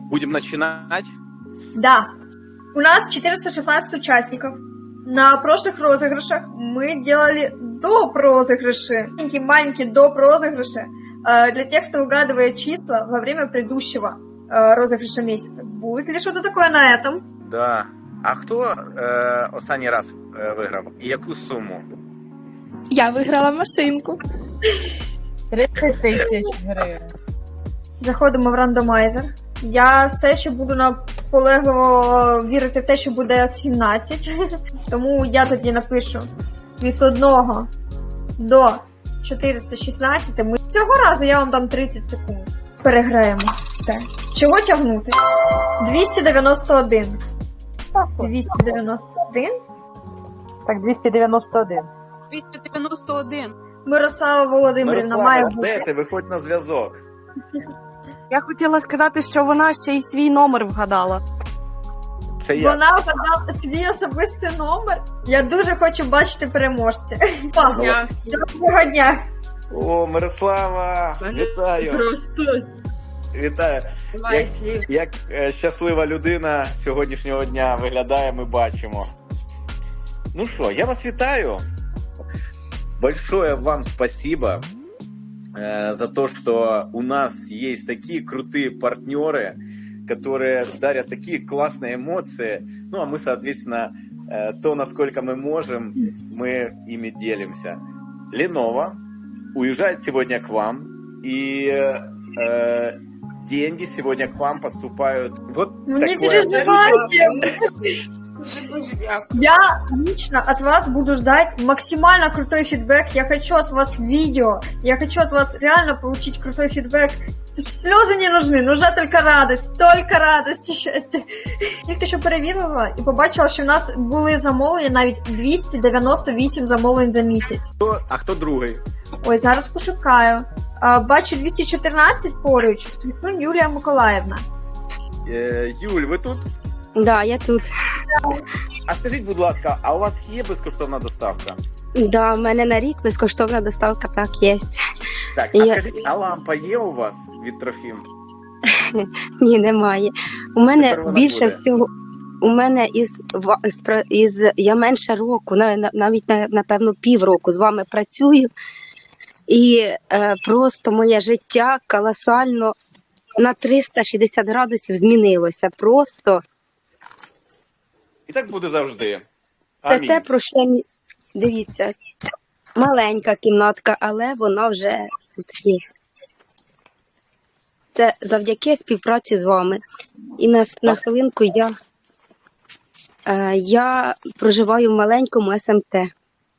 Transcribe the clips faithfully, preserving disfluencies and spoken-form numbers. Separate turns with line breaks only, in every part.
Будем начинать?
Да. У нас четыреста шестнадцать участников. На прошлых розыгрышах мы делали доп. Розыгрыши. Маленькие-маленькие доп. Розыгрыши э, для тех, кто угадывает числа во время предыдущего э, розыгрыша месяца. Будет ли что-то такое на этом?
Да. А хто е, останній раз е, виграв? І яку суму?
Я виграла машинку.
тридцять тисяч гривень.
Заходимо в рандомайзер. Я все ще буду наполегливо вірити в те, що буде сімнадцять. Тому я тоді напишу від одного до чотириста шістнадцять. Ми... Цього разу я вам дам тридцять секунд. Переграємо. Все. Чого тягнути? двісті дев'яносто один. двісті дев'яносто один.
Так, двісті дев'яносто один.
двісті дев'яносто один.
Мирослава Володимирівна має
Мирослава, де
бути.
ти? Виходь на зв'язок.
Я хотіла сказати, що вона ще й свій номер вгадала.
Це я.
Вона вгадала свій особистий номер. Я дуже хочу бачити переможця.
Я
Доброго дня.
О, Мирослава, вітаю.
просто
Вітаю.
немає
Як,
слів.
як е, щаслива людина сьогоднішнього дня виглядає, ми бачимо. Ну що, я вас вітаю. Большое вам спасибо э, за то, что у нас есть такие крутые партнеры, которые дарят такие классные эмоции. Ну, а мы, соответственно, э, то, насколько мы можем, мы ими делимся. Lenovo уезжает сегодня к вам, и э, деньги сегодня к вам поступают. Вот
Ну, не
такое.
переживайте.
Дуже-дуже дякую.
Я лично от вас буду ждать максимально крутой фидбэк. Я хочу от вас видео. Я хочу от вас реально получить крутой фидбэк. Слезы не нужны, нужна только радость. Только радость і щастя. Тільки що перевірила і побачила, що в нас були замовлення навіть двісті дев'яносто вісім замовлень за місяць.
Хто- А хто другий?
Ой, зараз пошукаю. А, бачу двісті чотирнадцять поруч. Світлин Юлія Миколаївна.
Е, Юль, ви тут?
Да, я тут.
А скажіть, будь ласка, а у вас є безкоштовна доставка?
Да, в мене на рік безкоштовна доставка, так, є.
Так, а
Я-
скажіть, а лампа є у вас від Трофім?
Ні, немає. У мене
Тепер вона
більше
буде.
всього, у мене із, ва- з про- із я менше року, на- на- навіть на- напевно півроку з вами працюю. І е, просто моє життя колосально на триста шістдесят градусів змінилося. Просто
І так буде завжди.
це
Амінь.
те, про що мі- дивіться, маленька кімнатка, але вона вже тут є. Це завдяки співпраці з вами. І на, на хвилинку я, е, я проживаю в маленькому ес ем те.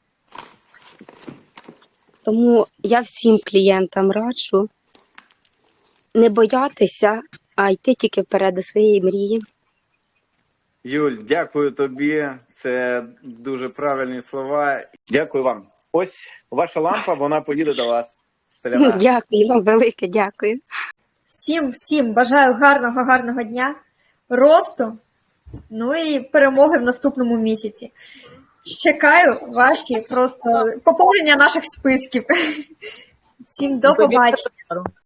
Тому я всім клієнтам раджу не боятися, а йти тільки вперед до своєї мрії.
Юль, дякую тобі. Це дуже правильні слова. Дякую вам. Ось ваша лампа, вона поїде до вас. Селяна.
Дякую вам велике, дякую.
Всім, всім бажаю гарного, гарного дня, росту, ну і перемоги в наступному місяці. Чекаю ваші просто поповнення наших списків. Всім до побачення.